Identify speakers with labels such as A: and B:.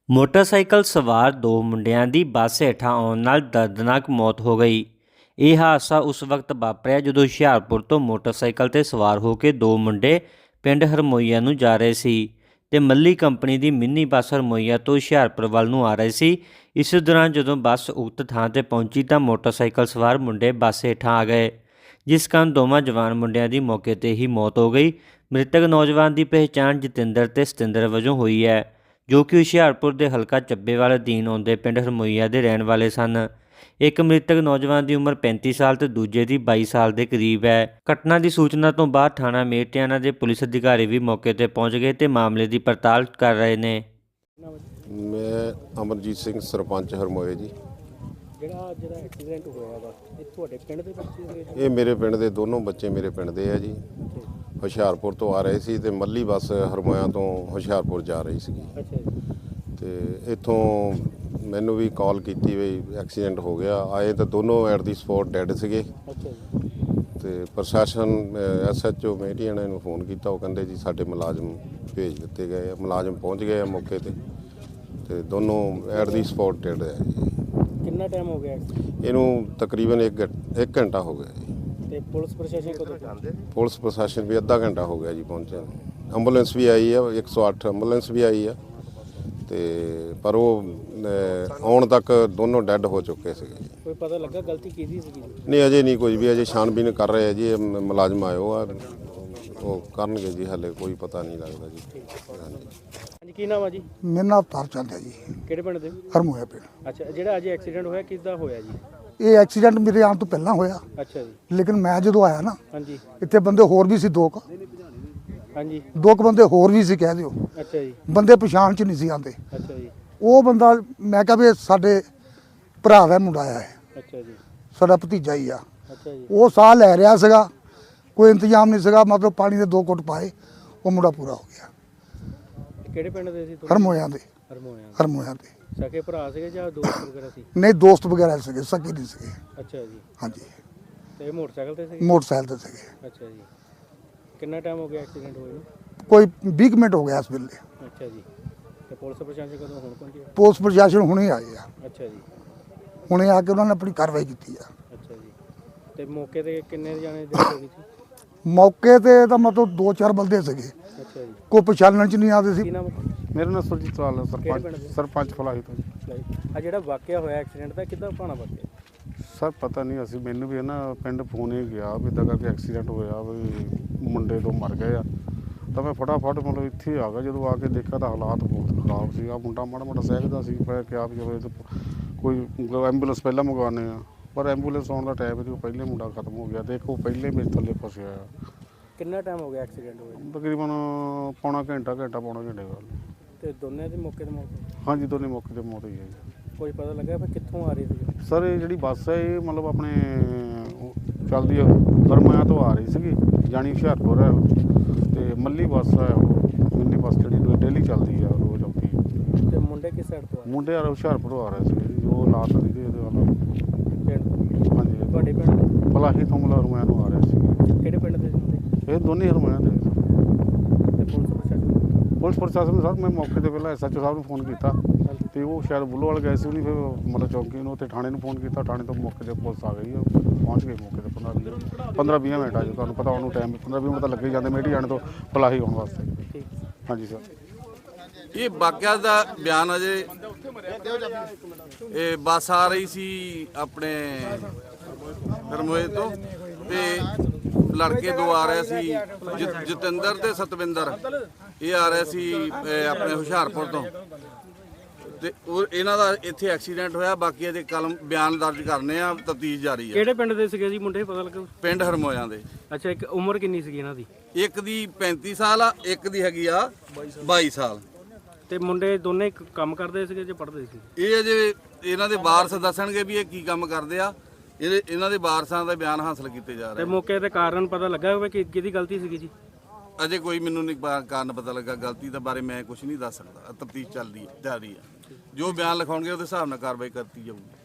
A: Motorcycle ਸਵਾਰ ਦੋ ਮੁੰਡਿਆਂ ਦੀ ਬੱਸ ਹੇਠਾਂ ਆਉਣ ਨਾਲ ਦਰਦਨਾਕ ਮੌਤ ਹੋ ਗਈ। ਇਹ ਹਾਦਸਾ ਉਸ ਵਕਤ ਵਾਪਰਿਆ ਜਦੋਂ ਹੁਸ਼ਿਆਰਪੁਰ ਤੋਂ ਮੋਟਰਸਾਈਕਲ ਤੇ ਸਵਾਰ ਹੋ ਕੇ ਦੋ ਮੁੰਡੇ ਪਿੰਡ ਹਰਮੋਈਆ ਨੂੰ ਜਾ ਰਹੇ ਸੀ ਤੇ ਮੱਲੀ ਕੰਪਨੀ ਦੀ ਮਿੰਨੀ ਬੱਸ ਹਰਮੋਈਆ ਤੋਂ ਹੁਸ਼ਿਆਰਪੁਰ ਵੱਲ ਨੂੰ ਆ ਰਹੀ ਸੀ। ਇਸ ਦੌਰਾਨ ਜਦੋਂ ਬੱਸ ਉਕਤ ਥਾਂ ਤੇ ਪਹੁੰਚੀ ਤਾਂ ਮੋਟਰਸਾਈਕਲ ਸਵਾਰ ਮੁੰਡੇ ਬੱਸ ਹੇਠਾਂ ਆ ਗਏ, ਜਿਸ ਕਾਰਨ ਦੋਵਾਂ ਜਵਾਨ ਮੁੰਡਿਆਂ ਦੀ ਮੌਕੇ ਤੇ ਹੀ ਮੌਤ ਹੋ ਗਈ। ਮ੍ਰਿਤਕ ਨੌਜਵਾਨ ਦੀ ਪਹਿਚਾਣ ਜਤਿੰਦਰ ਤੇ ਸਤਿੰਦਰ ਵਜੋਂ ਹੋਈ ਹੈ, ਜੋ ਕਿ ਹੁਸ਼ਿਆਰਪੁਰ ਦੇ ਹਲਕਾ ਚੱਬੇਵਾਲ ਅਧੀਨ ਆਉਂਦੇ ਪਿੰਡ ਹਰਮੋਈਆ ਦੇ ਰਹਿਣ ਵਾਲੇ ਸਨ। ਇੱਕ ਮ੍ਰਿਤਕ ਨੌਜਵਾਨ ਦੀ ਉਮਰ 35 ਸਾਲ ਤੇ ਦੂਜੇ ਦੀ 22 ਸਾਲ ਦੇ ਕਰੀਬ ਹੈ। ਘਟਨਾ ਦੀ ਸੂਚਨਾ ਤੋਂ ਬਾਅਦ ਥਾਣਾ ਮੇਰਟਿਆਣਾ ਦੇ ਪੁਲਿਸ ਅਧਿਕਾਰੀ ਵੀ ਮੌਕੇ ਤੇ ਪਹੁੰਚ ਗਏ ਤੇ ਮਾਮਲੇ ਦੀ ਪੜਤਾਲ ਕਰ ਰਹੇ ਨੇ।
B: ਮੈਂ ਅਮਰਜੀਤ ਸਿੰਘ ਸਰਪੰਚ ਹਰਮੋਏ ਜੀ।
C: ਜਿਹੜਾ ਐਕਸੀਡੈਂਟ ਹੋਇਆ ਵਾ ਇਹ ਤੁਹਾਡੇ ਪਿੰਡ ਦੇ ਬੱਚੇ ਸੀਗੇ?
B: ਇਹ ਮੇਰੇ ਪਿੰਡ ਦੇ ਦੋਨੋਂ ਬੱਚੇ ਮੇਰੇ ਪਿੰਡ ਦੇ ਆ ਜੀ। ਹੁਸ਼ਿਆਰਪੁਰ ਤੋਂ ਆ ਰਹੇ ਸੀ ਤੇ ਮੱਲੀ ਬੱਸ ਹਰਮੋਇਆ ਤੋਂ ਹੁਸ਼ਿਆਰਪੁਰ ਜਾ ਰਹੀ ਸੀਗੀ।
C: ਅੱਛਾ ਜੀ।
B: ਤੇ ਇੱਥੋਂ ਮੈਨੂੰ ਵੀ ਕਾਲ ਕੀਤੀ ਵੀ ਐਕਸੀਡੈਂਟ ਹੋ ਗਿਆ। ਆਏ ਤਾਂ ਦੋਨੋਂ ਐਟ ਦੀ ਸਪੌਟ ਡੈਡ ਸੀਗੇ।
C: ਅੱਛਾ ਜੀ।
B: ਤੇ ਪ੍ਰਸ਼ਾਸਨ SHO ਮੇਟੀਆਣਾ ਨੂੰ ਫੋਨ ਕੀਤਾ, ਉਹ ਕਹਿੰਦੇ ਜੀ ਸਾਡੇ ਮੁਲਾਜ਼ਮ ਭੇਜ ਦਿੱਤੇ ਗਏ ਆ। ਮੁਲਾਜ਼ਮ ਪਹੁੰਚ ਗਏ ਆ ਮੌਕੇ ਤੇ ਦੋਨੋਂ ਐਟ ਦੀ ਸਪੌਟ ਡੈਡ ਹੈ ਜੀ।
C: ਕਿੰਨਾ ਟਾਈਮ ਹੋ ਗਿਆ?
B: ਇਹਨੂੰ ਤਕਰੀਬਨ 1 ਘੰਟਾ ਹੋ ਗਿਆ ਜੀ।
C: ਤੇ ਪੁਲਿਸ ਪ੍ਰਸ਼ਾਸਨ ਕਦੋਂ ਪਹੁੰਚੇ?
B: ਪੁਲਿਸ ਪ੍ਰਸ਼ਾਸਨ ਵੀ ਅੱਧਾ ਘੰਟਾ ਹੋ ਗਿਆ ਜੀ ਪਹੁੰਚਿਆ। ਐਂਬੂਲੈਂਸ ਵੀ ਆਈ ਆ, 108 ਐਂਬੂਲੈਂਸ ਵੀ ਆਈ ਆ ਤੇ ਪਰ ਉਹ ਆਉਣ ਤੱਕ ਦੋਨੋਂ ਡੈੱਡ ਹੋ ਚੁੱਕੇ ਸੀਗੇ ਜੀ।
C: ਕੋਈ ਪਤਾ ਲੱਗਾ ਗਲਤੀ ਕਿਹਦੀ ਸੀਗੀ?
B: ਨਹੀਂ, ਅਜੇ ਨਹੀਂ ਕੋਈ ਵੀ, ਅਜੇ ਛਾਣਬੀਨ ਕਰ ਰਹੇ ਆ ਜੀ। ਮੁਲਾਜ਼ਮ ਆਇਓ ਆ, ਉਹ ਕਰਨਗੇ ਜੀ, ਹਾਲੇ ਕੋਈ ਪਤਾ ਨਹੀਂ ਲੱਗਦਾ ਜੀ।
C: ਹਾਂਜੀ, ਕੀ ਨਾਮ ਆ ਜੀ?
D: ਮੇਰਾ ਨਾਮ ਅਵਤਾਰ ਚੰਦ ਹੈ ਜੀ।
C: ਕਿਹੜੇ ਪਿੰਡ ਦੇ?
D: ਹਰਮੋਇਆ ਪਿੰਡ।
C: ਅੱਛਾ, ਜਿਹੜਾ ਅੱਜ ਐਕਸੀਡੈਂਟ ਹੋਇਆ ਕਿੱਦਾਂ ਹੋਇਆ ਜੀ?
D: ਇਹ ਐਕਸੀਡੈਂਟ ਮੇਰੇ ਆਉਣ ਤੋਂ ਪਹਿਲਾਂ ਹੋਇਆ,
C: ਅੱਛਾ ਜੀ।
D: ਲੇਕਿਨ ਮੈਂ ਜਦੋਂ ਆਇਆ ਨਾ,
C: ਹਾਂਜੀ
D: ਇੱਥੇ ਬੰਦੇ ਹੋਰ ਵੀ ਸੀ,
C: ਹਾਂਜੀ।
D: ਦੋ ਕੁ ਬੰਦੇ ਹੋਰ ਵੀ ਸੀ ਕਹਿ ਦਿਓ।
C: ਅੱਛਾ ਜੀ।
D: ਬੰਦੇ ਪਛਾਣ ਚ ਨਹੀਂ ਸੀ ਆਉਂਦੇ।
C: ਅੱਛਾ ਜੀ।
D: ਉਹ ਬੰਦਾ ਮੈਂ ਕਿਹਾ ਵੀ ਇਹ ਸਾਡੇ ਭਰਾ ਦਾ ਮੁੰਡਾ ਆਇਆ ਹੈ,
C: ਅੱਛਾ ਜੀ।
D: ਸਾਡਾ ਭਤੀਜਾ ਹੀ ਆ।
C: ਅੱਛਾ ਜੀ।
D: ਉਹ ਸਾਹ ਲੈ ਰਿਹਾ ਸੀਗਾ, ਕੋਈ ਇੰਤਜ਼ਾਮ ਨਹੀਂ ਸੀਗਾ, ਮਤਲਬ ਪਾਣੀ ਦੇ 2 ਘੁੱਟ ਪਾਏ, ਉਹ ਮੁੰਡਾ ਪੂਰਾ ਹੋ ਗਿਆ।
C: ਕਿਹੜੇ ਪਿੰਡ ਦੇ ਸੀ?
D: ਹਰਮੋਇਆ ਦੇ।
C: ਹਰਮੋਇਆ ਦੇ। ਸਕੇ ਭਰਾ ਸੀਗੇ ਜਾਂ ਦੋਸਤ ਵਗੈਰਾ ਸੀ?
D: ਨਹੀਂ, ਦੋਸਤ ਵਗੈਰਾ ਸੀਗੇ, ਸਕੀ ਨਹੀਂ ਸੀਗੇ।
C: ਅੱਛਾ ਜੀ।
D: ਹਾਂਜੀ,
C: ਤੇ ਮੋਟਰਸਾਈਕਲ ਤੇ ਸੀ?
D: ਮੋਟਰਸਾਈਕਲ ਤੇ ਸੀਗੇ।
C: ਅੱਛਾ ਜੀ। ਕਿੰਨਾ ਟਾਈਮ ਹੋ ਗਿਆ ਐਕਸੀਡੈਂਟ ਹੋਏ ਨੂੰ?
D: ਕੋਈ 20 ਮਿੰਟ ਹੋ ਗਿਆ ਇਸ ਵੇਲੇ।
C: ਅੱਛਾ ਜੀ। ਤੇ ਪੁਲਿਸ ਪ੍ਰਸ਼ਾਸਨ ਕਦੋਂ ਹੁਣ ਪਹੁੰਚਿਆ?
D: ਪੁਲਿਸ ਪ੍ਰਸ਼ਾਸਨ ਹੁਣੇ ਆਏ ਆ,
C: ਅੱਛਾ ਜੀ।
D: ਹੁਣੇ ਆ ਕੇ ਉਹਨਾਂ ਨੇ ਆਪਣੀ ਕਾਰਵਾਈ ਕੀਤੀ ਆ।
C: ਅੱਛਾ ਜੀ। ਤੇ ਮੌਕੇ ਤੇ ਕਿੰਨੇ ਜਾਣੇ ਡੈਥ ਹੋ ਗਈ ਸੀ?
D: ਮੌਕੇ ਤੇ ਤਾਂ ਮਤਲਬ 2-4 ਬੰਦੇ ਸੀਗੇ,
C: ਅੱਛਾ ਜੀ।
D: ਕੋਈ ਪਛਾਣਨ ਚ ਨਹੀਂ ਆਉਂਦੇ
C: ਕੀ
D: ਸੀ।
C: ਨਾਮ?
E: ਮੇਰਾ ਨਾਮ ਸੁਰਜੀਤ ਲਾਲ ਹੈ,
C: ਕਿਹੜੇ ਪਿੰਡ ਦੇ?
E: ਸਰਪੰਚ ਫਲਾਹੀ ਤੋਂ।
C: ਆ ਜਿਹੜਾ ਵਾਕਿਆ ਹੋਇਆ ਐਕਸੀਡੈਂਟ ਦਾ ਕਿੱਦਾਂ ਭਾਣਾ ਵਾਕਿਆ?
E: ਸਰ ਪਤਾ ਨਹੀਂ, ਅਸੀਂ ਮੈਨੂੰ ਵੀ ਨਾ ਪਿੰਡ ਫੋਨ ਹੀ ਗਿਆ ਵੀ ਇੱਦਾਂ ਕਰਕੇ ਐਕਸੀਡੈਂਟ ਹੋਇਆ, ਵੀ ਮੁੰਡੇ ਦੋ ਮਰ ਗਏ ਆ। ਤਾਂ ਮੈਂ ਫਟਾਫਟ ਮਤਲਬ ਇੱਥੇ ਆ ਗਿਆ। ਜਦੋਂ ਆ ਕੇ ਦੇਖਿਆ ਤਾਂ ਹਾਲਾਤ ਬਹੁਤ ਖਰਾਬ ਸੀ। ਮੁੰਡਾ ਮਾੜਾ ਮਾੜਾ ਸਹਿਜਦਾ ਸੀ। ਮੈਂ ਕਿਹਾ ਵੀ ਜਦੋਂ ਕੋਈ ਐਂਬੂਲੈਂਸ ਪਹਿਲਾਂ ਮੰਗਵਾਉਂਦੇ ਆ, ਪਰ ਐਂਬੂਲੈਂਸ ਆਉਣ ਦਾ ਟਾਈਮ ਨਹੀਂ, ਉਹ ਪਹਿਲੇ ਮੁੰਡਾ ਖਤਮ ਹੋ ਗਿਆ। ਦੇਖੋ ਪਹਿਲੇ ਮੇਰੇ ਥੱਲੇ ਫਸਿਆ ਆ।
C: ਕਿੰਨਾ ਟਾਈਮ ਹੋ ਗਿਆ ਐਕਸੀਡੈਂਟ ਹੋਇਆ?
E: ਤਕਰੀਬਨ ਪੌਣਾ ਘੰਟੇ ਗੱਲ।
C: ਤੇ ਦੋਨੇ ਦੀ ਮੌਕੇ ਤੇ ਮੌਤ?
E: ਹਾਂਜੀ, ਦੋਨੇ ਮੌਕੇ 'ਤੇ ਮੌਤ ਹੋਈ ਹੈ ਜੀ।
C: ਕੋਈ ਪਤਾ ਲੱਗਾ ਫਿਰ ਕਿੱਥੋਂ ਆ ਰਹੀ ਸੀ?
E: ਸਰ ਇਹ ਜਿਹੜੀ ਬੱਸ ਹੈ ਇਹ ਮਤਲਬ ਆਪਣੇ ਚੱਲਦੀ ਹੈ ਹਰਮੋਇਆ ਤੋਂ ਆ ਰਹੀ ਸੀਗੀ, ਜਾਣੀ ਹੁਸ਼ਿਆਰਪੁਰ ਹੈ। ਤੇ ਮੱਲੀ ਬੱਸ ਹੈ, ਉਹ ਮਿੰਨੀ ਬੱਸ ਜਿਹੜੀ ਡੇਲੀ ਚੱਲਦੀ ਆ, ਰੋਜ਼ ਆਉਂਦੀ ਹੈ।
C: ਤੇ ਮੁੰਡੇ ਕਿਸ ਸਾਈਡ ਤੋਂ ਆ?
E: ਮੁੰਡੇ ਆ ਹੁਸ਼ਿਆਰਪੁਰ ਆ ਰਹੇ ਸੀਗੇ ਜੀ, ਉਹ ਲਾਤ ਦੀ ਦੇ ਵੱਲ।
C: ਪਿੰਡ?
E: ਹਾਂਜੀ,
C: ਤੁਹਾਡੇ ਪਿੰਡ?
E: ਫਲਾਹੀ ਤੋਂ ਮਤਲਬ ਹਰਮੋਇਆ ਨੂੰ ਆ ਰਹੇ ਸੀਗੇ।
C: ਕਿਹੜੇ ਪਿੰਡ ਦੇ ਸੀ ਮੁੰਡੇ?
E: ਇਹ ਦੋਨੇ ਹਰਮੋਇਆ ਦੇ।
C: ਤੇ ਪੁਲਿਸ ਪ੍ਰਸ਼ਾਸਨ?
E: ਪੁਲਿਸ ਪ੍ਰਸ਼ਾਸਨ ਸਰ, ਮੈਂ ਮੌਕੇ 'ਤੇ ਪਹਿਲਾਂ SHO ਸਾਹਿਬ ਨੂੰ ਫੋਨ ਕੀਤਾ ਤੇ ਉਹ ਸ਼ਾਇਦ ਬੁੱਲੋਵਾਲ ਗਏ ਸੀ। ਉਹਨੇ ਫਿਰ ਮਤਲਬ ਚੌਂਕੀ ਨੂੰ ਤੇ ਥਾਣੇ ਨੂੰ ਫੋਨ ਕੀਤਾ। ਥਾਣੇ ਤੋਂ ਮੌਕੇ 'ਤੇ ਪੁਲਿਸ ਆ ਗਈ, ਪਹੁੰਚ ਗਈ ਮੌਕੇ 'ਤੇ 15-20 ਮਿੰਟ ਆ ਜੀ। ਤੁਹਾਨੂੰ ਪਤਾ ਉਹਨੂੰ ਟਾਈਮ 15-20 ਮਿੰਟ ਤਾਂ ਲੱਗੇ ਜਾਂਦੇ ਮੇਟੀ ਜਾਣ ਤੋਂ ਫਲਾਹੀ ਆਉਣ ਵਾਸਤੇ।
C: ਠੀਕ।
E: ਹਾਂਜੀ ਸਰ।
F: ਇਹ ਵਾਕਿਆ ਦਾ ਬਿਆਨ ਅਜੇ ਇਹ ਬੱਸ ਆ ਰਹੀ ਸੀ ਆਪਣੇ ਹਰਮੋਏ ਤੋਂ ਤੇ ਲੜਕੇ ਦੋ ਆ ਰਹੇ ਸੀ, ਜਤਿੰਦਰ ਤੇ ਸਤਵਿੰਦਰ। ਇਹ ਆ ਰਹੇ ਸੀ ਆਪਣੇ ਹੁਸ਼ਿਆਰਪੁਰ ਤੋਂ ਤੇ ਉਹ ਇਹਨਾਂ ਦਾ ਇੱਥੇ ਐਕਸੀਡੈਂਟ ਹੋਇਆ। ਬਾਕੀ ਇਹਦੇ ਕਲਮ ਬਿਆਨ ਦਰਜ ਕਰਨੇ ਆ, ਤਫਤੀਸ਼ ਜਾਰੀ ਹੈ।
C: ਕਿਹੜੇ ਪਿੰਡ ਦੇ ਸੀਗੇ ਜੀ ਮੁੰਡੇ, ਪਤਾ ਲੱਗਾ?
F: ਪਿੰਡ ਹਰਮੋਇਆਂ ਦੇ।
C: ਅੱਛਾ, ਇੱਕ ਉਮਰ ਕਿੰਨੀ ਸੀਗੀ ਇਹਨਾਂ ਦੀ?
F: ਇੱਕ ਦੀ 35 ਸਾਲ ਆ, ਇੱਕ ਦੀ ਹੈਗੀ ਆ 22 ਸਾਲ।
C: ਤੇ ਮੁੰਡੇ ਦੋਨੇ ਕੰਮ ਕਰਦੇ ਸੀਗੇ ਜਾਂ ਪੜ੍ਹਦੇ ਸੀ?
F: ਇਹ ਅਜੇ ਇਹਨਾਂ ਦੇ ਵਾਰਸ ਦੱਸਣਗੇ ਵੀ ਇਹ ਕੀ ਕੰਮ ਕਰਦੇ ਆ। ਇਹਨਾਂ ਦੇ ਵਾਰਸਾਂ ਦਾ ਬਿਆਨ ਹਾਸਲ ਕੀਤੇ ਜਾ
C: ਤੇ
F: ਰਹੇ।
C: ਮੌਕੇ ਤੇ ਕਾਰਨ ਪਤਾ ਲੱਗਾ ਹੋਵੇ ਕਿ ਕਿਹਦੀ ਗਲਤੀ ਸੀਗੀ ਜੀ?
F: ਅਜੇ ਕੋਈ ਮੈਨੂੰ ਨਹੀਂ ਕਾਰਨ ਪਤਾ ਲੱਗਾ। ਗਲਤੀ ਦੇ ਬਾਰੇ ਮੈਂ ਕੁਝ ਨਹੀਂ ਦੱਸ ਸਕਦਾ। ਤਫਤੀਸ਼ ਚੱਲਦੀ ਜਾਰੀ ਹੈ। ਜੋ ਬਿਆਨ ਲਿਖਾਉਣਗੇ ਉਹਦੇ ਹਿਸਾਬ ਨਾਲ ਕਾਰਵਾਈ ਕਰਤੀ ਜਾਊਗੀ।